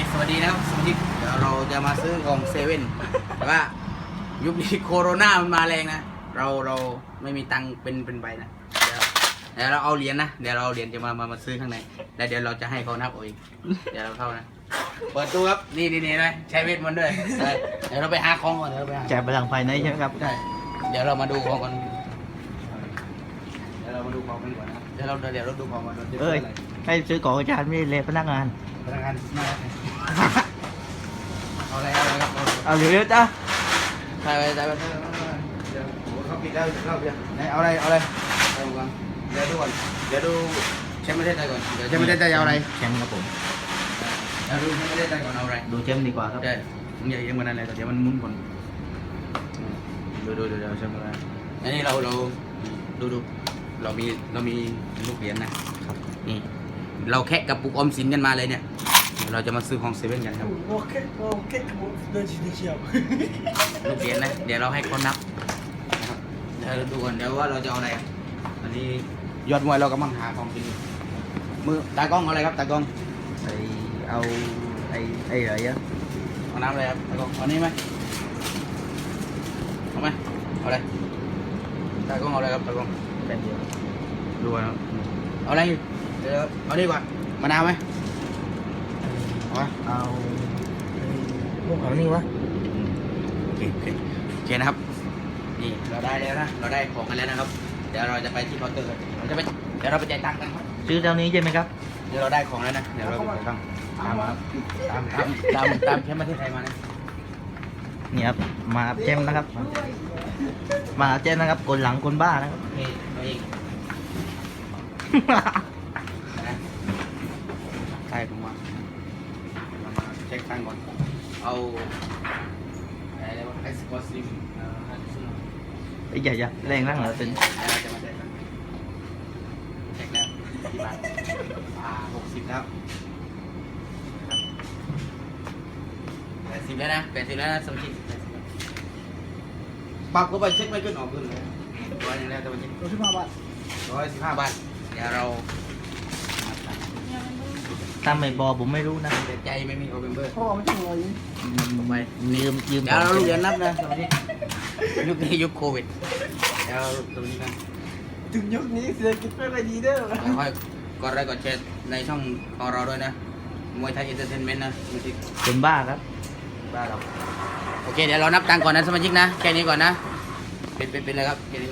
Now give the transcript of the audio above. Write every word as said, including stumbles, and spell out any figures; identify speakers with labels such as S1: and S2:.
S1: สวัสดีนะครับสวัสดีเดี๋ยวเราจะมาซื้อของเซเว่นแต่ว่ายุคนี้โควิดมันมาแรงนะเราเราไม่มีตังค์เป็นเป็นใบนะเดี๋ยวเดี๋ยวเราเอาเหรียญนะเดี๋ยวเราเอาเหรียญจะมามามาซื้อข้างในแล้วเดี๋ยวเราจะให้เขานับเอาเองเดี๋ยวเราเข้านะเปิดตู้ครับนี่นี่นี่เลยใช้เวทมนต์ด้วยได้เดี๋ยวเราไปหาของก่อนเดี๋ยวเราไปหา
S2: แจกพลังภายในใช่ไหมครับ
S1: ได้เดี๋ยวเรามาดูของกันเดี๋ยวเรามาดูของกันก่อนนะเดี๋ยวเราเดี๋ยวเราดูของกัน
S2: เอ้ยให้ซื้อของอาจารย์ไม่ได้เลยพนักงาน
S1: พนักงานมาเอาอะไรเอาอะไรครับ
S2: เอาเร็วๆจ้า
S1: ใช่ไปใช่ไปเดี๋ยวโอ้เขาปิดแล้วเข้าเดี๋ยวไหนเอาอะไรเอาอะไรเอาก่อนเดี๋ยวดูก่อนเดี๋ยวดูแชมป์ประเทศไทยก่อนเดี๋ยวแชมป์ประเทศไทยเอาอะไร
S2: แชมป์ครับผม
S1: เดี๋ยวดูแชมป์ประเทศไทยก่อนเอาอะไร
S2: ดูแชมป์ดีกว่าครับ
S1: ใช่มึงอย่าเอียงมันอะไรเดี๋ยวมันมุนก่อนดูดูดูเดี๋ยวแชมป์อะไรอันนี้เราเราดูดูเรามีเรามีลูกเหรียญนะครับนี่เราแค่กระปุกออมสินกันมาเลยเนี่ยเดี๋ยวเราจะมาซื้อของเซเว่นกันครับ
S3: โอเคโอเคเดินชี้เชียว
S1: ลูกเหรียญนะเดี๋ยวเราให้คนนับนะครับเดี๋ยวดูก่อนเดี๋ยวว่าเราจะเอาอะไรอ่ะอันนี้ยอดมวยเรากำลังหาของกินอยู่มือตากล้องเอาอะไรครับตากล้อง
S2: ไอเอาไอไออะไรอะ
S1: เอาน้ำอะไรครับตากล้องเอานี่ไหมเอาไหมเอาอะไรตากล้องเอาอะไรครับตากล้อง
S2: แป๊บเดียว
S1: ดูก่อนครับเอาอะไรอยู่เดี๋ยวเอานี่ก่อนมะนาวไหมเอาไหม
S2: เอาพวกเขานี่วะ
S1: โอเคโอเคโอเคนะครับนี่เราได้แล้วนะเราได้ของกันแล้วนะครับเดี๋ยวเราจะไปที่เคาน์เตอร์เราจะไปเดี๋ยวเราไปจ่ายตังค์กันครับ
S2: ซื้อเท่านี้ใช่ไหมครับ
S1: เดี๋ยวเราได้ของแล้วนะ เดี๋ยวเราไปจ่ายตังค์ตามมาครับตามตามตามตามแค่ประเทศไทยมานะ
S2: นี่ครับมาแชมป์นะครับ มาแชมป์นะครับคนหลังคนบ้านะครับ
S1: โอเคตัวเองนะใช่ผมว่าเรามาเช็คตังค์ก่อน เอาอะไรวะไอสกอตซิมเอ่อห้าสิบ
S2: ไอ้ใหญ่จะแรงนั่งเหรอเป็น
S1: แล้วเราจะมาเช็คกันเช็คแล้วกี่บาทอ่าหกสิบแล้วแปดสิบแล้วนะแปดสิบแล้วนะสมาชิกแปดสิบแล้วปรับก็ไปเช็คไม่ขึ้นออกขึ้นเลยร้อยหนึงแล้วสมาชิก
S3: รถที่มาบ้าน
S1: ร้อยสิบห้าบาทเดี๋ยวเรา
S2: ถ้าไม่บอกผมไม่รู้นะ
S1: เสียใจไม่มีโอเบมเบอร์
S3: พ่อไม่ต้องรอยิง
S1: ผมไป
S2: ยืมยืม
S1: เดี๋ยวเราลูกเรียนนับนะสมาชิกยุคนี้ยุคโควิดเดี๋ยวเราตรงนี้นะ
S3: ถึงยุคนี้เศรษฐกิจไม่ค่อยดีเด้อ
S1: ค่อยๆกดไลค์กดแชร์ในช่องของเราด้วยนะมวยไทยเอนเตอร์เทนเมนต์นะสมาชิก
S2: คนบ้าครับ
S1: บ้านเราโอเคเดี๋ยวเรานับตังค์ก่อนนะสมาชิกนะแค่นี้ก่อนนะเป็นเป็นเป็นเลยครับแค่นี้